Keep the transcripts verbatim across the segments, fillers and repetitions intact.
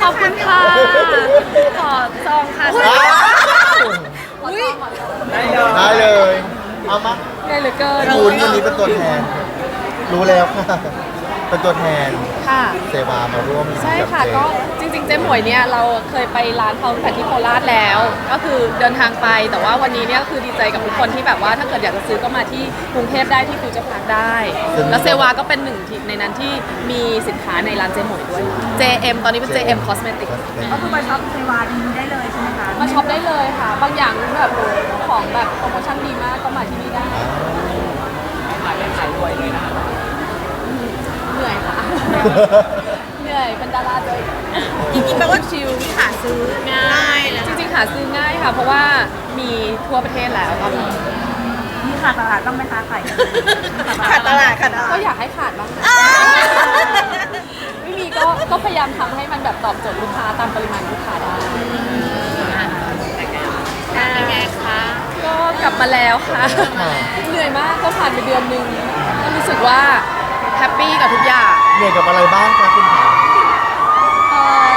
ขอบคุณค่ะขอซองค่ะอุ้ยได้เลย เอามาได้เหลือเกินคุณวันนี้เป็นตัวแทน รู้แล้วค่ะ เป็นตัวแทนค่ะเซวามาร่วมใช่ค่ะบเจก็จริงๆเจ๊หมวยเนี่ยเราเคยไปร้านเขาตั้งแต่ที่โคราชแล้ว ก็คือเดินทางไปแต่ว่าวันนี้เนี่ยคือดีใจกับทุกคนที่แบบว่าถ้าเกิดอยากจะซื้อก็มาที่กรุงเทพได้ที่ฟิวเจอร์พาร์คได้ แล้วเซวาก็เป็นหนึ่งที่ในนั้นที่มีสินค้าในร้านเจ๊หมวยด้วย เจ เอ็ม ตอนนี้เป็น เจ เอ็ม Cosmetics ก็คือไปช็อปเซวาดีได้เลยใช่ไหมคะมาช็อปได้เลยค่ะ บางอย่างแบบของแบบโปรโมชั่นดีมากก็มาที่นี่ได้ขายได้ขายรวยเลยนะเหนื่อยค่ะ เหนื่อยเป็นดาราเลยจริงๆแปลว่าชิลหาซื้อง่ายเลยจริงๆหาซื้อง่ายค่ะ เพราะว่ามีทั่วประเทศแล้วตอนนี้มีขาดตลาดต้องไหมคะไข่ขาดตลาดขาดตลาดก็อยากให้ขาดบ้างนะไม่มีก็ก็พยายามทำให้มันแบบตอบโจทย์ลูกค้าตามปริมาณลูกค้าได้เป็นไงคะก็กลับมาแล้วค่ะ เหนื่อยมากก็ผ่านไปเดือนหนึงก็รู้สึกว่าแฮปปี้กับทุกอย่างเหนื่อยกับอะไรบ้างคะคุณขาเอ่อ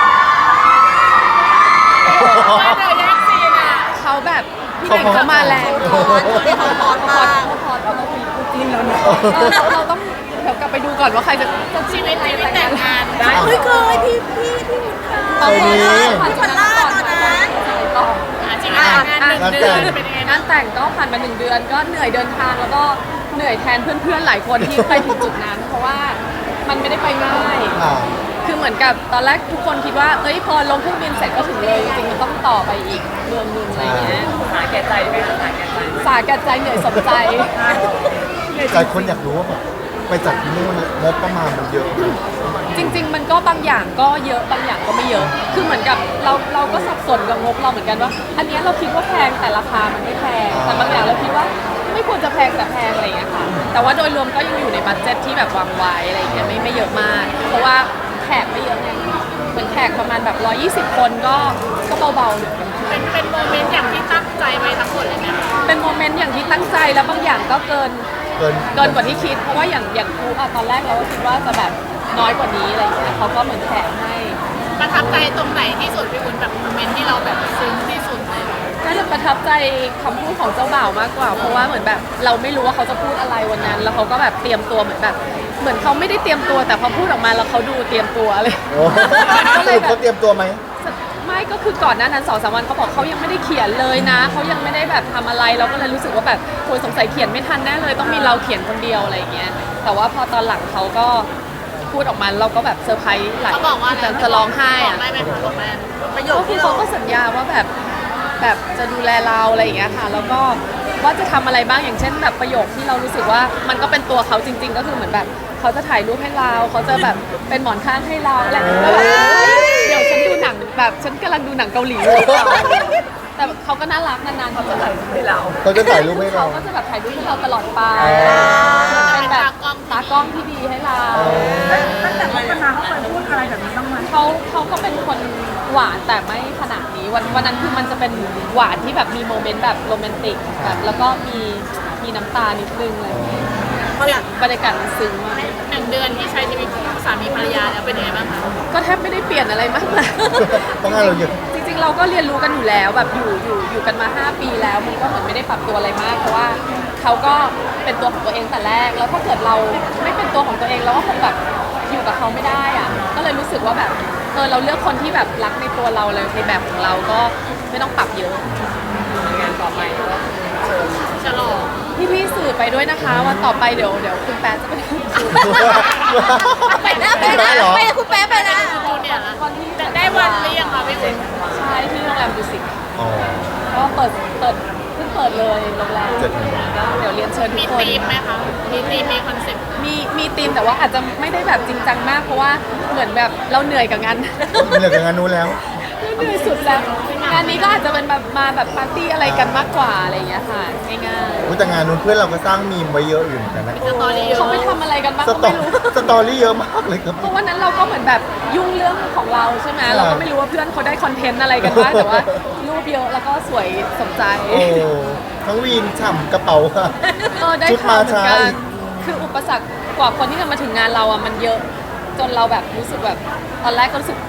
มาเดี๋ยวแยกซีนอ่ะเขาแบบพี่เน่งเขามาแรงเขาพอดเขาพอดพอมากพอเราต้องมีคู่จิ้นแล้วเนาะเราเราต้องเดี๋ยวกลับไปดูก่อนว่าใครจะจะชีวิตชีวิตแต่งงานได้เฮ้ยเคยพี่พี่พี่หมุนค่ะเอาไปผ่านจุดนั้นก่อนตอนนั้นต่อจริงๆงานหนึ่งเดือนเป็นยังไงงานแต่งก็ผ่านมาหนึ่งเดือนก็เหนื่อยเดินทางแล้วก็เหนื่อยแทนเพื่อนๆหลายคนที่ไปถึงจุดนั้น เพราะว่ามันไม่ได้ไปง่ายค่ะคือเหมือนกับตอนแรกทุกคนคิดว่าเอ้ยพอลงเครื่องบินเสร็จก็ถึงเลยจริงๆมันต้องต่อไปอีกเมืองหนึงอะไรเงี้ยหาแก่ใจไหมคะหาแก่ใจสาแก่ใจเหนื่อยสมใจหลายคนอยากรู้ว่าแบบไปจัดที่นู่นงบประมาณมันเยอะไหมจริง ๆ มันก็บางอย่างก็เยอะบางอย่างก็ไม่เยอะ คือเหมือนกับเราเราก็สับสนกับงบเราเหมือนกันว่า อันเนี้ยเราคิดว่าแพงแต่ราคามันไม่แพง แต่บางอย่างเราคิดว่าไม่ควรจะแพงแต่แพงอะไรอย่างเงี้ยค่ะ แต่ว่าโดยรวมก็ยังอยู่ในบัดเจ็ตที่แบบวางไว้อะไรอย่างเงี้ยไม่ไม่เยอะมาก เพราะว่าแขกไม่เยอะไงเหมือนแขกประมาณแบบหนึ่งร้อยยี่สิบคนก็ก็เบาๆอยู่เป็นเป็นโมเมนต์อย่างที่ตั้งใจไว้ทั้งหมดเลยนะเป็นโมเมนต์อย่างที่ตั้งใจแล้วบางอย่างก็เกินเกินเกินกว่าที่คิด เพราะว่าอย่างอย่างครูอะตอนแรกเราก็คิดว่าจะแบบน้อยกว่านี้อะไรอย่างเงี้ยเขาก็เหมือนแถมให้ประทับใจตรงไหนที่สุดพี่วุ้นแบบโมเมนต์ที่เราแบบซึ้งที่สุดเลยน่าจะประทับใจคำพูดของเจ้าบ่าวมากกว่า เพราะว่าเหมือนแบบเราไม่รู้ว่าเขาจะพูดอะไรวันนั้น แล้วเขาก็แบบเตรียมตัวเหมือนแบบ เหมือนเขาไม่ได้เตรียมตัวแต่พอพูดออกมาแล้วเขาดูเตรียมตัวเลยโอ้ก็สเลยรุปแบเขาบเตรียมตัวไหมไม่ก็คือก่อนหน้านั้นสองสามวันเขาบอกเขายังไม่ได้เขียนเลยนะเขายังไม่ได้แบบทำอะไรเราก็เลยรู้สึกว่าแบบโอยสงสัยเขียนไม่ทันแน่เลยต้องมีเราเขียนคนเดียวอะไรอย่างเงี้ยแต่ว่าพอตอนหลังเขาก็พูดออกมาเราก็แบบเซอร์ไพรส์หลายเขาบอกว่าจะจะร้องไห้บออะกได้ไหมคะบอกได้ประโยคก็คือที่เขาเราก็สัญญาว่าแบบแบบจะดูแลเราอะไรอย่างเงี้ยค่ะแล้วก็ว่าจะทำอะไรบ้างอย่างเช่นแบบประโยคที่เรารู้สึกว่ามันก็เป็นตัวเขาจริง ๆ ก็คือเหมือนแบบเขาจะถ่ายรูปให้เราเขาจะแบบเป็นหมอนข้างให้เราอะไรอย่างเงี้ยแล้วแบบเดี๋ยวฉันดูหนังแบบฉันกำลังดูหนังเกาหลีอยู่แต่เขาก็น่ารักนานๆเขาจะถ่ายรูปให้เราเขาจะถ่ายรูปให้เราเขาก็จะแบบถ่ายรูปให้เราตลอดไปอ๋อเป็นแบบตากล้องที่ดีให้เราตั้งแต่คบกันมาเขาเคยพูดอะไรแบบนี้บ้างไหมเขาเขาก็เป็นคนหวานแต่ไม่ขนาดนี้วันวันนั้นคือมันจะเป็นหวานที่แบบมีโมเมนต์แบบโรแมนติกแบบแล้วก็มีมีน้ำตานิดนึงอะไรอย่างเงี้ยบรรยากาศมันซึ้งมากหนึ่งเดือนที่ใช้ชีวิตสามีภรรยาแล้วเป็นยังไงบ้างคะก็แทบไม่ได้เปลี่ยนอะไรมากนะต้องให้เราเยอะจริงๆเราก็เรียนรู้กันอยู่แล้วแบบอยู่อยู่อยู่กันมาห้าปีแล้วมันก็เหมือนไม่ได้ปรับตัวอะไรมาก เพราะว่าเขาก็เป็นตัวของตัวเองแต่แรกแล้วถ้าเกิดเราไม่เป็นตัวของตัวเองเราก็คงแบบอยู่กับเขาไม่ได้อะก็เลยรู้สึกว่าแบบเออเราเลือกคนที่แบบรักในตัวเราเลยในแบบของเราก็ไม่ต้องปรับเยอะงานต่อไปก็เชิญฉลองพี่ๆสื่อไปด้วยนะคะวันต่อไปเดี๋ยวเดี๋ยวคุณแป๊ะจะไปทำสื่อไปนะไปนะไปคุณแป๊ะไปนะจูเนียร์ละตอนที่ได้วันหรือยังคะพี่วุ้นใช่ที่โรงแรมดูสิตอ๋อก็เปิดเปิดเพิ่งเปิดเลยโรงแรมเจ็ดธันวาเดี๋ยวเรียนเชิญทุมีกคนธีมไหมคะมีธีมมีคอนเซ็ปต์มีมีธีมแต่ว่าอาจจะไม่ได้แบบจริงจังมากเพราะว่าเหมือนแบบเราเหนื่อยกับงานเหนื่อยกับงานนู้นแล้วเหนื่อยสุดแล้วงานนี้ก็อาจจะเป็นแบบมาแบบปาร์ตี้อะไรกันมากกว่าอะไรอย่างเงี้ยค่ะง่ายอุ๊ยแต่งานนู้นเพื่อนเราก็สร้างมีมไว้เยอะอยู่เหมือนกันนะสตอรี่เยๆอะเขาไปทำอะไรกันบ้างสก็ตอไม่รู้สตอรี่เยอะมากเลยครับเพราะวันนั้นเราก็เหมือนแบบยุ่งเรื่องของเราใช่ไหมใช่เราก็ไม่รู้ว่าเพื่อนเขาได้คอนเทนต์อะไรกันบ้างแต่ว่ารูปเยอะแล้วก็สวยสมใจโอ้ทั้งวีนฉ่ำกระเป๋าค่ะเออได้ชุดข่าวมาเหมือนช้ากัอีนกคืออุปสรรคกว่าคนที่จะมาถึงงานเราอ่ะมันเยอะจนเราแบบรู้สึกแบบตอนแรกก็รู้สึก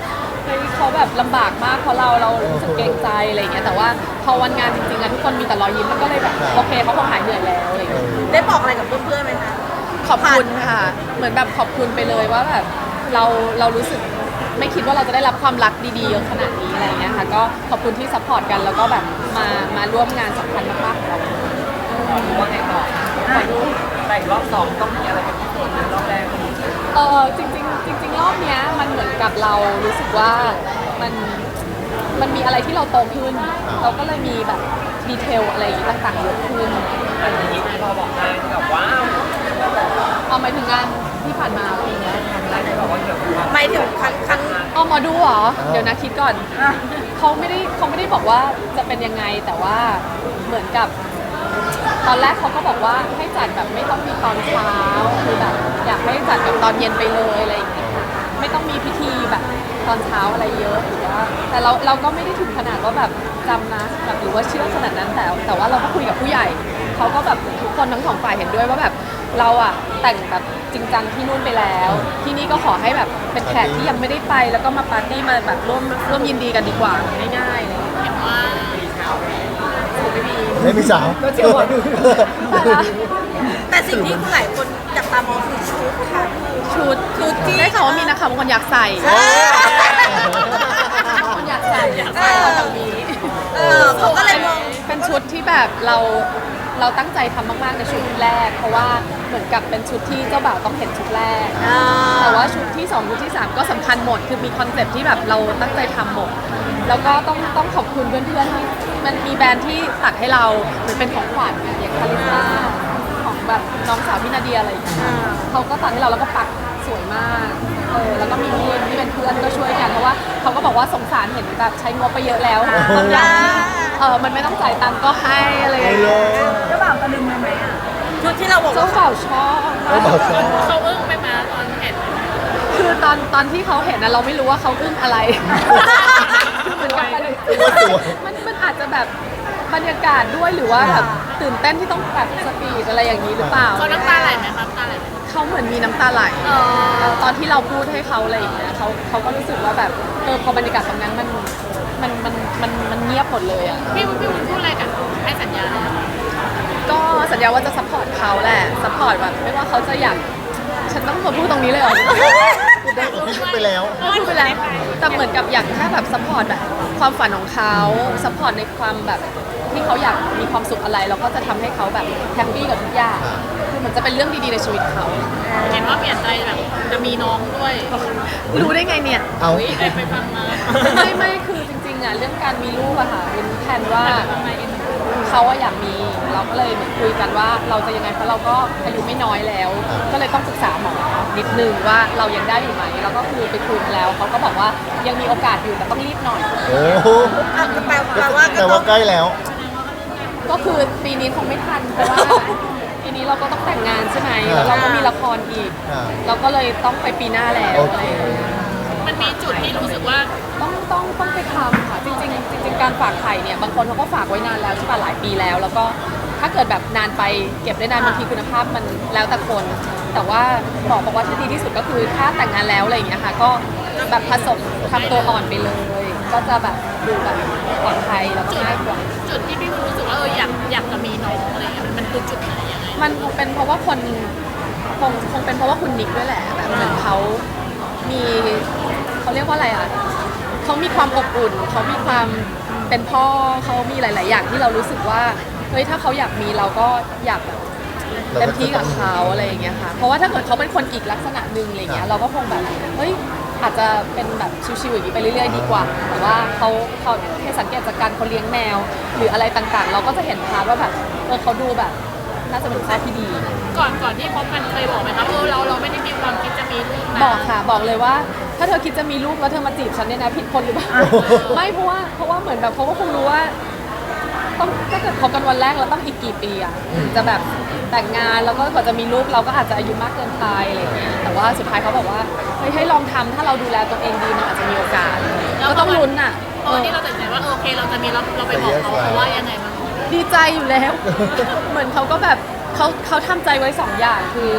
เฮ้ยเขาแบบลำบากมากเพราะเราเรารู้สึกเกรงใจอะไรอย่างเงี้ยแต่ว่าพอวันงานจริงๆอะทุกคนมีแต่รอยยิ้มมันก็เลยแบบโอเคเขาคงหายเหนื่อยแล้วอะไรอย่างเงี้ยได้บอกอะไรกับเพื่อนๆไหมคะขอบคุณค่ะ เหมือนแบบขอบคุณไปเลยว่าแบบเราเรารู้สึกไม่คิดว่าเราจะได้รับความรักดีๆเยอะขนาดนี้อะไรอย่างเงี้ยค่ะก็ขอบคุณที่ซัพพอร์ตกันแล้วก็แบบมามาร่วมงานสำคัญมากๆของเราว่าไงต่อแต่อีกรอบสองต้องมีอะไรเป็นพิเศษในรอบแรกเออจริงๆจริงๆรอบเนี้ยมันเหมือนกับเรารู้สึกว่ามันมันมีอะไรที่เราโตขึ้น เราก็เลยมีแบบดีเทลอะไรอย่างงี้ต่างๆเยอะขึ้นอันนี้ที่พอบอกได้แบบว้าวเอาหมายถึงงานที่ผ่านมาอะไรอย่างเงี้ยได้ไหมบอกว่าเกี่ยวกับหมายถึงครั้งครั้งเอาหมอดูเหรอเดี๋ยวนะคิดก่อนเขาไม่ได้เขาไม่ได้บอกว่าจะเป็นยังไงแต่ว่าเหมือนกับ ตอนแรกเขาก็บอกว่าให้จัดแบบไม่ต้องมีตอนเช้าคือแบบอยากให้จัดแบบตอนเย็นไปเลยอะไรอย่างเงี้ยค่ะไม่ต้องมีพิธีแบบตอนเช้าอะไรเยอะหรือว่าแต่เราเราก็ไม่ได้ถึงขนาดว่าแบบจำนะแบบหรือว่าเชื่อขนาดนั้นแต่แต่ว่าเราก็คุยกับผู้ใหญ่เขาก็แบบทุกคนทั้งสองฝ่ายเห็นด้วยว่าแบบเราอะแต่งแบบจริงจังที่นู่นไปแล้ว ที่นี่ก็ขอให้แบบเป็นแขกที่ยังไม่ได้ไป แล้วก็มาปาร์ตี้มาแบบร่วมร่วมยินดีกันดีกว่าง่ายๆเลยเห็นว่าไม่มีไม่มีสาวก็เจียวหวาน ไปละแต่สิ่งที่หลายคนจับตามองคือชุดค่ะชุดชุดที่ได้ข่าวว่ามีนะคะบางคนอยากใส่เออบางคนอยากใส่อยากใส่ตรงนี้เออเขาก็เลยมองเป็นชุดที่แบบเราเราตั้งใจทำมากๆในชุดแรก เพราะว่าเหมือนกับเป็นชุดที่เจ้าบ่าวต้องเห็นชุดแรกอ่าแต่ว่าชุดที่สองชุดที่สามก็สำคัญหมด คือมีคอนเซ็ปต์ที่แบบเราตั้งใจทำหมด แล้วก็ต้องต้องขอบคุณเพื่อนๆที่มันมีแบรนด์ที่ตัดให้เราเหมือนเป็นของขวัญอะอย่างคาริซ่าของแบบน้องสาวพี่นาเดียอะไรอย่างเงี้ยเขาก็ตัดให้เราแล้วก็ปักสวยมากเออแล้วก็มีมีมที่เป็นเพื่อนก็ช่วยกันเพราะว่าเขาก็บอกว่าสงสารเห็นแบบใช้งบไปเยอะแล้วบางอย่างที่เออมันไม่ต้องจ่ายตังค์ก็ให้อะไรอย่างเงี้ยเจ้าบ่าวตะลึงเลยไหมอ่ะชุดที่เราบอกเจ้าว่าบ่าวชอบเจ้าบ่าวชอบเขาอึ้งไปมาตอนเห็นคือตอนตอนที่เขาเห็นนะเราไม่รู้ว่าเขาอึ้งอะไรคือเหมือนกับมันมันมันอาจจะแบบบรรยากาศด้วยหรือว่าแบบตื่นเต้นที่ต้องแบบสปีดอะไรอย่างนี้หรือเปล่าเขาน้ำตาไหลไหมครับน้ำตาไหลไหมเขาเหมือนมีน้ำตาไหลเออตอนที่เราพูดให้เขาอะไรอย่างเงี้ยเขาเขาก็รู้สึกว่าแบบเออพอบรรยากาศตรงนั้นมันมันมันมันมันเงียบหมดเลยอ่ะพี่วุ้นพี่วุ้นพูดอะไรกับให้สัญญาเลยก็สัญญาว่าจะซัพพอร์ตเขาแหละซัพพอร์ตแบบไม่ว่าเขาจะอยากฉันต้องมาพูดตรงนี้เลยเหรอพูดไปแล้วพูดไปแล้วแต่เหมือนกับอยากแค่แบบซัพพอร์ตแบบความฝันของเขาซัพพอร์ตในความแบบที่เขาอยากมีความสุขอะไรเราก็จะทำให้เขาแบบแฮปปี้กับทุกอย่างคือมันจะเป็นเรื่องดีๆในชีวิตเขาเห็นว่าเปลี่ยนใจแบบจะมีน้องด้วยรู้ได้ไงเนี่ยเอาอุ๊ยได้ไปฟังมาไม่ไม่คือจริงๆอ่ะเรื่องการมีลูกอะค่ะเป็นแผนว่าเขาอะอยากมีเราก็เลยเหมือนคุยกันว่าเราจะยังไงเพราะเราก็อายุไม่น้อยแล้ว ก็เลยต้องปรึกษาหมอนิดนึงว่าเรายังได้อยู่ไหมแล้วก็คือไปคุยมาแล้วเขาก็บอกว่ายังมีโอกาสอยู่แต่ต้องรีบหน่อยโอ้โหอ่ะแปลแปลว่าก็แต่ต้อว่าง ใกล้แล้วก็คือปีนี้คงไม่ทันเพราะว่าปีนี้เราก็ต้องแต่งงานใช่ไหมแล้วเราก็มีละครอีกอ่าเราก็เลยต้องไปปีหน้าแล้วโออะไรเคอย่างเงี้ยมันมีจุดที่รู้สึกว่าต้องต้องต้องไปทำค่ะจริงๆจริงๆการฝากไข่เนี่ยบางคนเขาก็ฝากไว้นานแล้วใช่ป่ะหลายปีแล้ว แล้วก็ถ้าเกิดแบบนานไปเก็บได้นานบางทีคุณภาพมันแล้วแต่คน แต่ว่าหมอบอกว่าที่ดีที่สุดก็คือถ้าแต่งงานแล้วอะไรอย่างเงี้ยค่ะก็แบบผสมทำตัวอ่อนไปเลย ก็จะแบบดูแบบปลอดภัยแล้วก็ง่ายกว่าจุดที่พี่วุ้นรู้สึกว่าเอออยากอยากจะมีน้องอะไรเงี้ยมันมันคือจุดไหนยังไงมันคงเป็นเพราะว่าคนคงคงเป็นเพราะว่าคุณนิกด้วยแหละแบบเหมือนเขามีเขาเรียกว่าอะไรอ่ะเขามีความอบอุ่นเขามีความเป็นพ่อเขามีหลาย ๆ อย่างที่เรารู้สึกว่าเฮ้ยถ้าเขาอยากมีเราก็อยากแบบเต็มที่กับเขาอะไรอย่างเงี้ยค่ะเพราะว่าถ้าเกิดเขาเป็นคนอีกลักษณะหนึ่งอะไรเงี้ยเราก็คงแบบเฮ้ยอาจจะเป็นแบบชิวๆอย่างนี้ไปเรื่อย ๆ ดีกว่า แต่ว่าเขาเขาแค่สังเกตจากการเขาเลี้ยงแมว หรืออะไรต่างๆ เราก็จะเห็นพาร์ทว่าแบบเออเขาดูแบบน่าจะเป็นพ่อที่ดีก่อนก่อนที่พบกันเคยบอกไหมคะเออเราเราไม่ได้มีความคิดจะมีลูกนะบอกค่ะบอกเลยว่า ถ้าเธอคิดจะมีลูกแล้วเธอมาจีบฉันเนี่ยนะผิดคนหรือเปล่า ไม่เพราะว่าเพราะว่าเหมือนแบบเขาก็คงรู้ว่าต้องถ้าเกิดคบกันวันแรกเราต้องอีกกี่ปีอะถึงจะแบบแต่งงานแล้วก็กว่าจะมีลูกเราก็อาจจะอายุมากเกินไปอะไรอย่างเงี้ยแต่ว่าสุดท้ายเขาบอกว่าเฮ้ยให้ลองทำถ้าเราดูแลตัวเองดีมันอาจจะมีโอกาสก็ต้องลุ้นอะตอนที่เราตัดสินใจว่าเออโอเคเราจะมีเราเราไปบอกเขาเขาว่ายังไงบ้างดีใจอยู่แล้ว เหมือนเขาก็แบบเขาเขาทำใจไว้สองอย่างคือ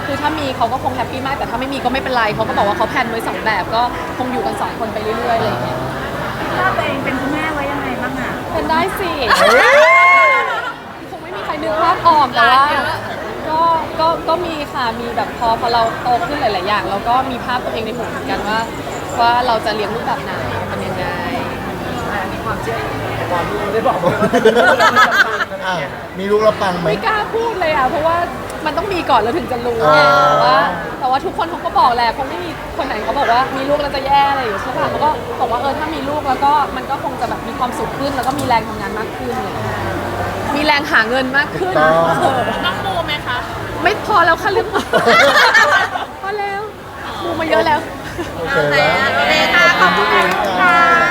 คือถ้ามีเขาก็คงแฮปปี้มากแต่ถ้าไม่มีก็ไม่เป็นไรเขาก็บอกว่าเขาแพลนไว้สองแบบก็คงอยู่กันสองคนไปเรื่อยๆอะไรอย่างเงี้ยถ้าตัวเองเป็นคุณแม่ไว้ยังไงบ้างอ่ะเป็นได้สิคงไม่มีใครนึกภาพออกแต่ว่าก็ก็ก็มีค่ะมีแบบพอพอเราโตขึ้นหลายๆอย่างเราก็มีภาพตัวเองในหัวเหมือนกันว่า ว่าเราจะเลี้ยงลูกแบบไหนเป็นยังไงอันนี้ความเชื่อแต่ก่อนลูกได้บอกว่าอ่ะมีลูกแล้วปังไหมไม่กล้าพูดเลยอ่ะเพราะว่ามันต้องมีก่อนแล้วถึงจะรู้อ่าไงแต่ว่าแต่ว่าทุกคนเขาก็บอกแหละคงไม่มีคนไหนเขาบอกว่ามีลูกแล้วจะแย่อะไรอยู่ใช่ป่ะเขาก็บอกว่าเออถ้ามีลูกแล้วก็มันก็คงจะแบบมีความสุขขึ้น แล้วก็มีแรงทำงานมากขึ้นเลยมีแรงหาเงินมากขึ้นต้องเออต้องมูไหมคะไม่พอแล้วค่ะเรื่องหมอพอแล้วดูมาเยอะแล้วโอเคแล้วโอเคค่ะขอบคุณค่ะ